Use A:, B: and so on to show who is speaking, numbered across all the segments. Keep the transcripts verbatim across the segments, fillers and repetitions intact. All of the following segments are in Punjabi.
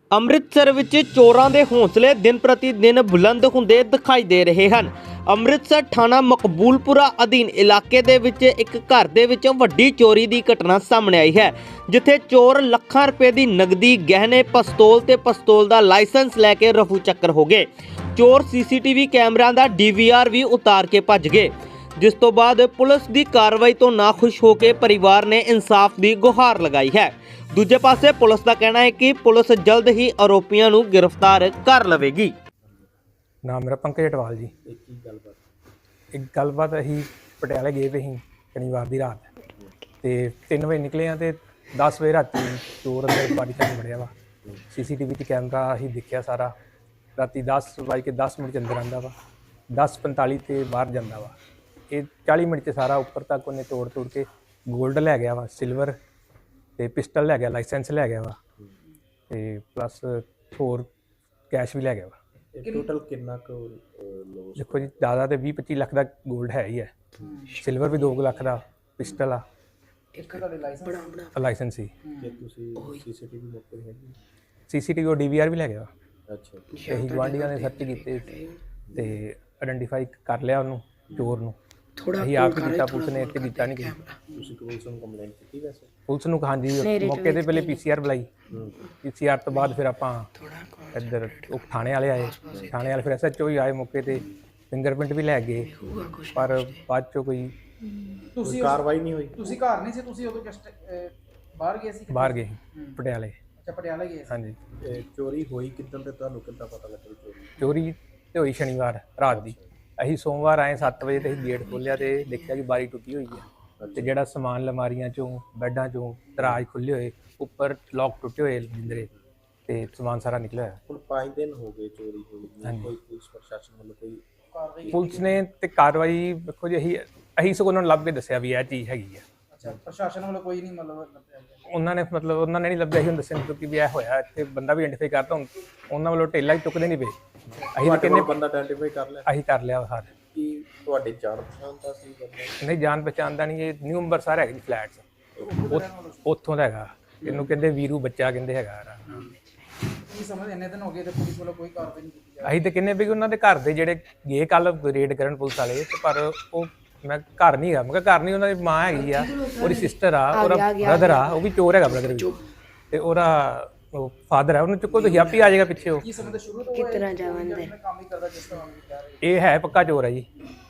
A: ਅੰਮ੍ਰਿਤਸਰ ਵਿੱਚ ਚੋਰਾਂ ਦੇ ਹੌਸਲੇ ਦਿਨ ਪ੍ਰਤੀ ਦਿਨ ਬੁਲੰਦ ਹੁੰਦੇ ਦਿਖਾਈ ਦੇ ਰਹੇ ਹਨ। ਅੰਮ੍ਰਿਤਸਰ ਥਾਣਾ ਮਕਬੂਲਪੁਰਾ ਅਧੀਨ ਇਲਾਕੇ ਦੇ ਵਿੱਚ ਇੱਕ ਘਰ ਦੇ ਵਿੱਚ ਵੱਡੀ ਚੋਰੀ ਦੀ ਘਟਨਾ ਸਾਹਮਣੇ ਆਈ ਹੈ, ਜਿੱਥੇ ਚੋਰ ਲੱਖਾਂ ਰੁਪਏ ਦੀ ਨਗਦੀ, ਗਹਿਣੇ, ਪਿਸਤੌਲ ਤੇ ਪਿਸਤੌਲ ਦਾ ਲਾਇਸੈਂਸ ਲੈ ਕੇ ਰਫੂ ਚੱਕਰ ਹੋ ਗਏ। ਚੋਰ ਸੀਸੀਟੀਵੀ ਕੈਮਰਿਆਂ ਦਾ ਡੀਵੀਆਰ ਵੀ ਉਤਾਰ ਕੇ ਭੱਜ ਗਏ, ਜਿਸ ਤੋਂ ਬਾਅਦ ਪੁਲਿਸ ਦੀ ਕਾਰਵਾਈ ਤੋਂ ਨਾਖੁਸ਼ ਹੋ ਕੇ ਪਰਿਵਾਰ ਨੇ ਇਨਸਾਫ ਦੀ ਗੁਹਾਰ ਲਗਾਈ ਹੈ। ਦੂਜੇ ਪਾਸੇ ਪੁਲਿਸ ਦਾ ਕਹਿਣਾ ਹੈ ਕਿ ਪੁਲਿਸ ਜਲਦ ਹੀ ਆਰੋਪੀਆਂ ਨੂੰ ਗ੍ਰਿਫਤਾਰ ਕਰ ਲਵੇਗੀ।
B: ਨਾਮ ਮੇਰਾ ਪੰਕਜ ਅਟਵਾਲ ਜੀ। ਇੱਕ ਗੱਲਬਾਤ ਇੱਕ ਗੱਲਬਾਤ ਅਸੀਂ ਪਟਿਆਲੇ ਗਏ ਵੇ ਸੀ ਸ਼ਨੀਵਾਰ ਦੀ ਰਾਤ, ਤੇ ਤਿੰਨ ਵਜੇ ਨਿਕਲੇ ਆ ਤੇ ਦਸ ਵਜੇ ਰਾਤੀ ਚੋਰ ਅੰਦਰ ਬਾਰੀ ਤੱਕ ਵੜਿਆ ਵਾ। ਸੀਸੀਟੀਵੀ 'ਚ ਕੈਮਰਾ ਅਸੀਂ ਦੇਖਿਆ ਸਾਰਾ। ਰਾਤੀ ਦਸ ਵੱਜ ਕੇ ਦਸ ਮਿੰਟ 'ਚ ਅੰਦਰ ਆਉਂਦਾ ਵਾ, ਦਸ ਪੰਤਾਲੀ 'ਤੇ ਬਾਹਰ ਜਾਂਦਾ ਵਾ। ਇਹ ਚਾਲੀ ਮਿੰਟ 'ਚ ਸਾਰਾ ਉੱਪਰ ਤੱਕ ਉਹਨੇ ਤੋੜ ਤੋੜ ਕੇ ਗੋਲਡ ਲੈ ਗਿਆ ਵਾ, ਸਿਲਵਰ ਤੇ ਪਿਸਟਲ ਲੈ ਗਿਆ, ਲਾਇਸੈਂਸ ਲੈ ਗਿਆ ਵਾ, ਤੇ ਪਲੱਸ ਹੋਰ ਕੈਸ਼ ਵੀ ਲੈ ਗਿਆ ਵਾ।
C: ਟੋਟਲ ਕਿੰਨਾ ਕੁ ਲੋਸ?
B: ਦੇਖੋ ਜੀ, ਜ਼ਿਆਦਾ ਤੇ ਵੀਹ ਪੱਚੀ ਲੱਖ ਦਾ ਗੋਲਡ ਹੈ ਹੀ ਹੈ, ਸਿਲਵਰ ਵੀ ਦੋ ਲੱਖ ਦਾ, ਪਿਸਟਲ ਆ,
C: ਇੱਕ ਤੁਹਾਡੇ ਲਾਇਸੈਂਸ
B: ਲਾਇਸੈਂਸ ਸੀ।
C: ਕਿ ਤੁਸੀਂ ਸੀਸੀਟੀਵੀ ਮੌਕੇ ਹੈਗੀ?
B: ਸੀਸੀਟੀਵੀ ਉਹ ਡੀਵੀਆਰ ਵੀ ਲੈ ਗਿਆ।
C: ਅੱਛਾ,
B: ਅਸੀਂ ਗੁਆਂਢੀਆਂ ਨੇ ਸਰਚ ਕੀਤੇ ਤੇ ਆਇਡੈਂਟੀਫਾਈ ਕਰ ਲਿਆ ਉਹਨੂੰ, ਚੋਰ ਨੂੰ। ਅਸੀਂ ਆਪ ਕੀਤਾ, ਪੁਲਿਸ ਨੇ ਇੱਥੇ ਕੀਤਾ ਨਹੀਂ ਕਿ
C: ਤੁਸੀਂ ਪੁਲਿਸ ਨੂੰ ਕੰਪਲੇਂਟ ਕੀਤੀ? ਵੈਸੇ
B: ਪੁਲਿਸ ਨੂੰ ਹਾਂਜੀ ਮੌਕੇ ਤੇ ਪਹਿਲੇ ਪੀਸੀਆਰ ਬੁਲਾਈ, ਪੀਸੀਆਰ ਤੋਂ ਬਾਅਦ ਫਿਰ ਆਪਾਂ ਇੱਧਰ ਉਹ ਥਾਣੇ ਵਾਲੇ ਆਏ, ਥਾਣੇ ਵਾਲੇ ਫਿਰ ਐਸਐਚਓ ਹੀ ਆਏ ਮੌਕੇ ਤੇ, ਫਿੰਗਰਪ੍ਰਿੰਟ ਵੀ ਲੈ ਗਏ, ਪਰ ਬਾਅਦ ਚੋਂ ਕੋਈ
C: ਤੁਸੀਂ ਕਾਰਵਾਈ ਨਹੀਂ ਹੋਈ?
D: ਤੁਸੀਂ ਘਰ ਨਹੀਂ ਸੀ, ਤੁਸੀਂ ਉਦੋਂ ਜਸਟ ਬਾਹਰ ਗਏ ਸੀ?
B: ਬਾਹਰ ਗਏ ਪਟਿਆਲੇ।
D: ਅੱਛਾ, ਪਟਿਆਲਾ ਗਏ ਸੀ।
B: ਹਾਂਜੀ।
C: ਚੋਰੀ ਹੋਈ ਕਿੱਦਾਂ ਤੇ ਤੁਹਾਨੂੰ ਕਿੱਦਾਂ ਪਤਾ ਲੱਗਾ ਚੋਰੀ?
B: ਚੋਰੀ ਤੇ ਹੋਈ ਸ਼ਨੀਵਾਰ ਰਾਤ ਦੀ। ਅਸੀਂ ਸੋਮਵਾਰ ਆਏ ਸੱਤ ਵਜੇ ਤੇ ਅਸੀਂ ਗੇਟ ਖੋਲ੍ਹਿਆ ਤੇ ਦੇਖਿਆ ਕਿ ਬਾਰੀ ਟੁੱਟੀ ਹੋਈ ਹੈ, ਤੇ ਜਿਹੜਾ ਸਮਾਨ ਅਲਮਾਰੀਆਂ ਚੋਂ, ਬੈੱਡਾਂ ਚੋਂ, ਦਰਾਜ ਖੁੱਲ੍ਹੇ ਹੋਏ, ਉੱਪਰ ਲੋਕ ਟੁੱਟੇ ਹੋਏ ਜਿੰਦਰੇ, ਤੇ ਸਮਾਨ ਸਾਰਾ ਨਿਕਲਿਆ ਹੋਇਆ।
C: ਹੁਣ ਪੰਜ ਦਿਨ ਹੋ ਗਏ ਚੋਰੀ ਹੋਈ, ਕੋਈ ਪੁਲਿਸ ਪ੍ਰਸ਼ਾਸਨ ਵੱਲੋਂ ਕੋਈ ਕਾਰਵਾਈ?
B: ਪੁਲਿਸ ਨੇ ਤੇ ਕਾਰਵਾਈ ਵੇਖੋ ਜੀ, ਅਸੀਂ ਅਸੀਂ ਸਗੋਂ ਉਹਨਾਂ ਨੂੰ ਲੱਭ ਕੇ ਦੱਸਿਆ ਵੀ ਇਹ ਚੀਜ਼ ਹੈਗੀ ਆ।
D: ਅੱਛਾ, ਪ੍ਰਸ਼ਾਸਨ ਵੱਲੋਂ ਕੋਈ ਨਹੀਂ ਮਤਲਬ ਲੱਭਿਆ ਗਿਆ?
B: ਉਹਨਾਂ ਨੇ ਮਤਲਬ ਉਹਨਾਂ ਨੇ ਨਹੀਂ ਲੱਭਿਆ ਸੀ, ਹੁਣ ਦੱਸਿਆ ਕਿਉਂਕਿ ਵੀ ਇਹ ਹੋਇਆ ਇੱਥੇ, ਬੰਦਾ ਵੀ ਆਇਡੈਂਟੀਫਾਈ ਕਰਤਾ। ਹੁਣ ਉਹਨਾਂ ਵੱਲੋਂ ਢੇਲਾ ਹੀ ਚੁੱਕਦੇ ਨਹੀਂ ਪਏ। ਅਸੀਂ ਤਾਂ ਕਿੰਨੇ
C: ਬੰਦਾ ਆਇਡੈਂਟੀਫਾਈ ਕਰ ਲਿਆ?
B: ਅਸੀਂ ਕਰ ਲਿਆ ਹਰ।
C: ਕੀ ਤੁਹਾਡੇ ਜਾਣ ਪਛਾਣ ਦਾ ਸੀ ਬੰਦਾ?
B: ਨਹੀਂ, ਜਾਣ ਪਛਾਣ ਦਾ ਨਹੀਂ। ਇਹ ਨਿਊ ਅੰਬਰਸਰ ਹੈਗਾ ਜੀ ਫਲੈਟਸ, ਉੱਥੋਂ ਦਾ ਹੈਗਾ। ਇਹਨੂੰ ਕਹਿੰਦੇ ਵੀਰੂ ਬੱਚਾ ਕਹਿੰਦੇ ਹੈਗਾ।
D: ਕੀ ਸਮਝ, ਇੰਨੇ ਦਿਨ ਹੋ ਗਏ ਤੇ ਪੁਲਿਸ ਵੱਲੋਂ ਕੋਈ ਕਾਰਵਾਈ ਨਹੀਂ ਕੀਤੀ ਜਾ
B: ਅਸੀਂ ਤਾਂ ਕਿੰਨੇ ਵੀ ਉਹਨਾਂ ਦੇ ਘਰ ਦੇ ਜਿਹੜੇ ਗਏ ਕੱਲ ਰੇਡ ਕਰਨ ਪੁਲਿਸ ਵਾਲੇ, ਤੇ ਪਰ ਉਹ ਮੈਂ ਘਰ ਨਹੀਂ ਹੈਗਾ। ਮੈਂ ਕਿਹਾ ਘਰ ਨਹੀਂ, ਉਹਨਾਂ ਦੀ ਮਾਂ ਹੈਗੀ ਆ, ਉਹਦੀ ਸਿਸਟਰ ਆ, ਉਹਦਾ ਬ੍ਰਦਰ ਆ, ਉਹ ਵੀ ਚੋਰ ਹੈਗਾ ਬ੍ਰਦਰ ਵੀ, ਤੇ ਉਹਦਾ ਉਹ ਫਾਦਰ ਹੈ। ਉਹਨੂੰ ਚੁੱਕੋ, ਤੁਸੀਂ ਆਪੇ ਆ ਜਾਏਗਾ ਪਿੱਛੇ। ਉਹ
D: ਕੀ ਸਮਝਦੇ ਸ਼ੁਰੂ ਤੋਂ
E: ਕਿਤਨਾ ਜਾਵੰਦੇ
D: ਕੰਮ ਹੀ ਕਰਦਾ ਜਿਸ ਤਰ੍ਹਾਂ ਵੀ ਕਹਿ ਰਹੇ?
B: ਇਹ ਹੈ ਪੱਕਾ ਚੋਰ ਹੈ ਜੀ।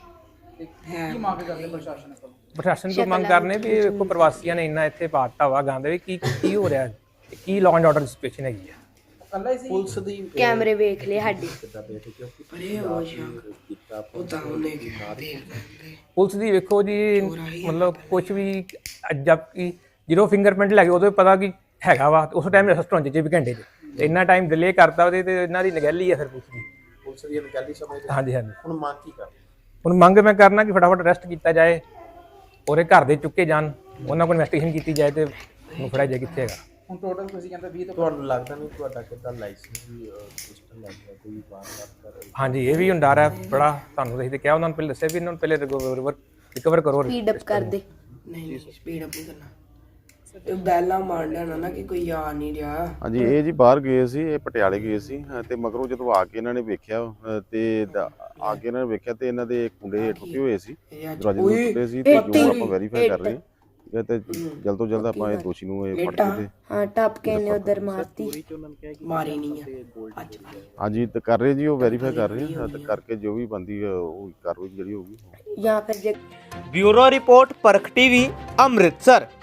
D: ਕੀ ਮੰਗ ਕਰਦੇ ਪ੍ਰਸ਼ਾਸਨ ਕੋਲ?
B: ਪ੍ਰਸ਼ਾਸਨ ਤੋਂ ਮੰਗ ਕਰਨੇ ਵੀ ਦੇਖੋ ਪ੍ਰਵਾਸੀਆਂ ਨੇ ਇੰਨਾ ਇੱਥੇ ਪਾਤਾ ਵਾ ਗੰਦ, ਵੀ ਕੀ ਕੀ ਹੋ ਰਿਹਾ, ਕੀ ਲਾਅ ਐਂਡ ਆਰਡਰ ਸਿਚੁਏਸ਼ਨ ਹੈਗੀ ਆ।
D: ਕੱਲਾ ਹੀ ਸੀ?
C: ਪੁਲਿਸ ਦੀ
E: ਕੈਮਰੇ ਵੇਖ ਲਏ ਸਾਡੇ।
C: ਕਿੱਦਾਂ ਬੈਠੇ ਕਿਉਂਕਿ ਪਰੇ ਹੋ ਜਾ ਕੀਤਾ ਉਹਦਾ ਉਹਨੇ
B: ਪੁਲਿਸ ਦੀ ਵੇਖੋ ਜੀ, ਮਤਲਬ ਕੁਝ ਵੀ ਜਦ ਕਿ ਜਦੋਂ ਫਿੰਗਰਪ੍ਰਿੰਟ ਲੱਗੇ ਉਦੋਂ ਪਤਾ ਕਿ ਹੈਗਾ ਵਾ, ਉਸ ਟਾਈਮ ਰੈਸਟੋਰੈਂਟ 'ਚ ਵੀ ਘੰਟੇ 'ਚ, ਤੇ ਇੰਨਾ ਟਾਈਮ ਡਿਲੇ ਕਰਤਾ ਉਹਦੇ, ਤੇ ਇਹਨਾਂ ਦੀ ਨਗੈਲੀ ਆ ਫਿਰ ਪੁਲਿਸ ਦੀ।
C: ਪੁਲਿਸ ਦੀ ਅਣਗਹਿਲੀ ਸਮਝਦੇ?
B: ਹਾਂਜੀ ਹਾਂਜੀ।
C: ਹੁਣ ਮੰਗ ਕੀ ਕਰ?
B: ਹੁਣ ਮੰਗ ਮੈਂ ਕਰਨਾ ਕਿ ਫਟਾਫਟ ਅਰੈਸਟ ਕੀਤਾ ਜਾਏ, ਉਹਦੇ ਘਰ ਦੇ ਚੁੱਕੇ ਜਾਣ, ਉਹਨਾਂ ਕੋਲ ਇਨਵੈਸਟੀਗੇਸ਼ਨ ਕੀਤੀ ਜਾਏ ਤੇ ਉਹਨੂੰ ਫੜਿਆ ਜਾਏ ਕਿੱਥੇ ਹੈਗਾ।
D: ਹੁਣ ਟੋਟਲ ਤੁਸੀਂ ਕਹਿੰਦੇ ਵੀਹ ਤੋਂ
C: ਤੁਹਾਨੂੰ ਲੱਗਦਾ ਨਹੀਂ ਤੁਹਾਡਾ ਕਿੱਦਾਂ ਲਾਇਸੈਂਸ ਵੀ ਸਿਸਟਮ ਲੱਗ ਗਿਆ ਕੋਈ ਵਾਰਦਾਤ ਕਰ?
B: ਹਾਂਜੀ, ਇਹ ਵੀ ਹੁਣ ਡਰ ਹੈ ਬੜਾ। ਤੁਹਾਨੂੰ ਅਸੀਂ ਤੇ ਕਿਹਾ, ਉਹਨਾਂ ਨੂੰ ਪਹਿਲੇ ਦੱਸਿਆ ਵੀ ਇਹਨਾਂ ਨੂੰ ਪਹਿਲੇ ਰਿਕਵਰ ਰਿਕਵਰ ਕਰੋ,
E: ਸਪੀਡ ਅਪ ਕਰ ਦੇ। ਨਹੀਂ ਨਹੀਂ, ਸਪੀਡ ਅਪ ਨਹੀਂ ਕਰਨਾ, ਇਹ ਬੈਲਾ ਮਾਰ ਲੈਣਾ ਨਾ ਕਿ ਕੋਈ ਆ ਨਹੀਂ ਰਿਹਾ।
F: ਹਾਂਜੀ, ਇਹ ਜੀ ਬਾਹਰ ਗਏ ਸੀ, ਇਹ ਪਟਿਆਲੇ ਗਏ ਸੀ, ਤੇ ਮਗਰੋਂ ਜਦੋਂ ਆ ਕੇ ਇਹਨਾਂ ਨੇ ਵੇਖਿਆ, ਤੇ ਆ ਕੇ ਇਹਨਾਂ ਨੇ ਵੇਖਿਆ ਤੇ ਇਹਨਾਂ ਦੇ ਕੁੰਡੇ ਟੁੱਟੇ ਹੋਏ ਸੀ, ਦਰਵਾਜ਼ੇ ਨੂੰ ਟੁੱਟੇ ਸੀ, ਤੇ ਜੋ ਆਪਾਂ ਵੈਰੀਫਾਈ ਕਰ ਰਹੇ ਹਾਂ ਤੇ ਜਲਦ ਤੋਂ ਜਲਦ ਆਪਾਂ ਇਹ ਦੋਸ਼ੀ ਨੂੰ ਇਹ ਫੜ ਕੇ ਤੇ
E: ਹਾਂ ਟੱਪ ਕੇ ਨੇ ਉਧਰ ਮਾਰਤੀ, ਮਾਰੀ ਨਹੀਂ ਆ।
F: ਹਾਂਜੀ, ਤੇ ਕਰ ਰਹੇ ਜੀ, ਉਹ ਵੈਰੀਫਾਈ ਕਰ ਰਹੇ ਹਾਂ, ਤੇ ਕਰਕੇ ਜੋ ਵੀ ਬੰਦੀ ਉਹ ਕਾਰਵਾਈ ਜਿਹੜੀ ਹੋਊਗੀ।
E: ਜਾਂ ਫਿਰ ਜੇ
A: bureau report, Parakh TV, Amritsar.